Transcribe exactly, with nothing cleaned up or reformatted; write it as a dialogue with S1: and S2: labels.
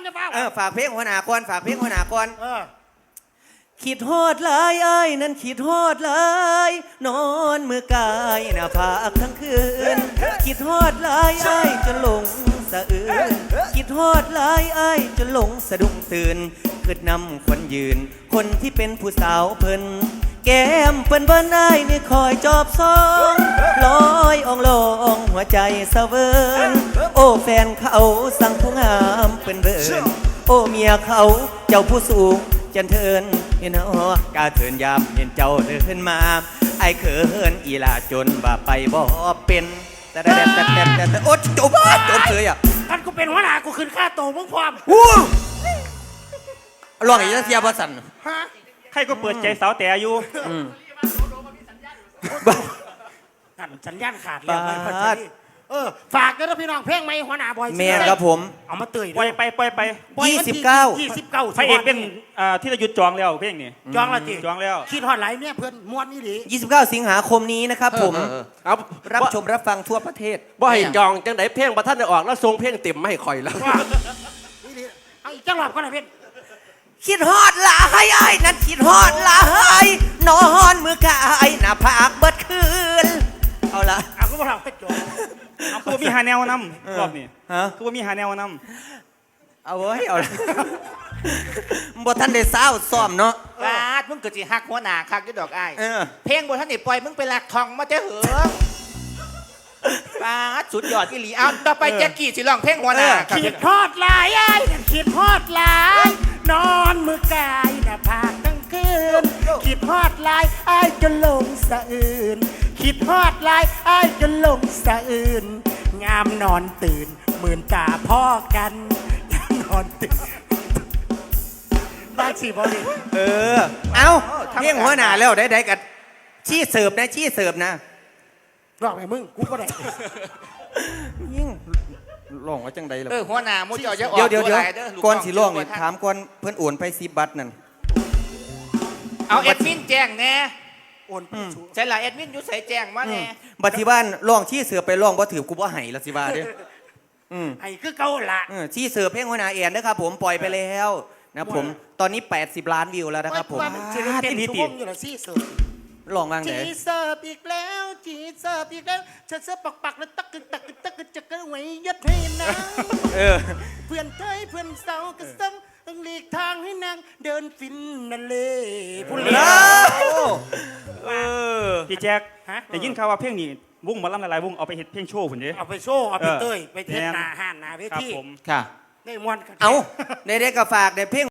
S1: จะเฝ้า
S2: เออฝากเพลงหัวหน้าก่อนฝากเพลงหัวหน้าก่อน
S1: เออ
S2: คิดฮอดหลายไอ้นั่นคิดฮอดหลายนอนมือกายหน้าผากทั้งคืนคิดฮอดหลายไอ้จนหลงสะอื้นคิดฮอดหลายไอ้จนหลงสะดุ้งตื่นคืดนำคนยืนคนที่เป็นผู้สาวเพิ่นแก้มเปิ้นเบิ้นไอ้นี่คอยจอบซองลอยอ่องลองหัวใจสะเวินโอ้แฟนเขาสั่งผู้งามเปิ้นเบิ้นโอ้เมียเขาเจ้าผู้สูงจันเทินเห็นหอกาเทินยามเห็นเจ้าเดินมาไอ้เขินอีลาจนว่าไปบ่เป็นแต่แต่แต่แต่แต่แต่โอ๊ยจบจบเลยอ่ะ
S1: ท่านกูเป็นหัวหน้ากูขึ้นค่าโตมึงพร้อม
S2: วู้ลองอีกเสียบสัน
S1: ฮะ
S3: ใครก็เปิดใจสาวแต่อยู่
S1: นั่นสัญญาณขาดแล้วไปพัชรีเออฝากด้วยนะพี่น้องเพลงไหมหัวหน้าบอย
S2: แม่ครับผม
S1: เอามาเตย
S3: ปล่อยไปปล่อยไป
S2: ยี่สิบเก้า
S1: ยี่สิบเก้า
S3: พระเอกเป็นที่จะหยุดจองแล้วเพลงนี้
S1: จองแล้วจี
S3: จองแล้ว
S1: คิดฮอดไหลเนี่ยเพื่อนม้วนนี่ดิ
S2: ยี่สิบเก้าสิงหาคมนี้นะครับผมเอารับชมรับฟังทั่วประเทศ
S4: บ่ให้จองจังไดเพลงบ่ทันได้ออกแล้วทรงเพลงเต็มไม่ให้ข่อยแล้ว
S1: นี่ดิเอาอีกจังหวะก็หน่อยเพื่อน
S2: คิดฮอดหลายไอ้นั่นคิดฮอดหลายนอนมือกายหน้าผากเบิดคืนเอาละ
S1: เอาก็มาเราไปจบ
S3: เอาคือมีหาแนวนำรอบนี้
S2: ฮะ
S3: คือมีหาแนวน
S2: ำเอาเว้ยเอาละบ่ทันได้เศร้าซ้อมเนาะ
S5: บาดมึงเกิดสิฮักหัวหน้าคักอยู่ดอกอ้ายเพลงบ่ทันได้ปล่อยมึงไปหลักทองมาแต่เหือบาดสุดยอดอีหลีเอาต่อไปแจ็คกี้สิร้องเพลงหัวหน้า
S1: คิดฮอดหลายไอ้คิดฮอดหลายนอนมือกายหน้าผากทั้งคืนคิดฮอดหลายไอ้จนหลงสะอื่นคิดฮอดหลายไอ้จนหลงสะอื่นงามนอนตื่นหมื่นตาพ่อกันงามนอนตื่นบ้านสี่บอล
S2: เออเอาเพียงหัวหน้าแล้วได้ได้กับชี้เสิร์ฟนะชี้เสิร์ฟนะ
S1: ร้องไงมึงกูก็ได้
S2: ยิ่งร้องว่าจังใดล่ะ
S5: เออหัวหน้ามุ้ยจะออก
S2: เดี๋ยวเดี๋ยวเดี๋ยวก่อนสิร้องนี่ถามก่อนเพิ่นโอนไปสิบบัตรนั่น
S5: เอาแอดมินแจ้งแน่
S1: โอน
S5: ใช่หรอแอดมินอยู่ใส่แจ้งมาแน่
S2: บัตรที่บ้านร้องชี้เสิร์ฟไปร้องบ่ถือกูบ่ให้ละสิว่าเด้อ
S1: ไอ้คือเก่าละ
S2: ชี้เสิร์ฟเพลงหัวหน้าเอียนนะครับผมปล่อยไปแล้วนะผมตอนนี้แปดสิบล้านวิวแล้วนะครับผม
S1: ที่นี่ติดอยู่ละซี่เสิร์ฟ
S2: ลองวางไหน
S1: จีเสิร์ฟอีกแล้วจีเสิร์ฟอีกแล้วฉันเสิร์ฟปักปักแล้วตักกึตักกึตักกึจะกระไว้ยัดให้นางเพื่อนเทยเพื่อนเสากระซ้ำต้องหลีกทางให้นางเดินฟินนั่นเลยพูดเลย
S3: พี่แจ็คแต่ยินข่าวว่าเพลงนี้วงมาล่ำหลายๆวงเอาไปเฮ็ดเพลงโชว์ผมดิ
S1: เอาไปโชว์เอาไปเตยไปเทศนาห่านนาเวที
S2: ค่ะ
S1: ได้มวนกัน
S2: เอาได้ได้กับฝากได้เพลง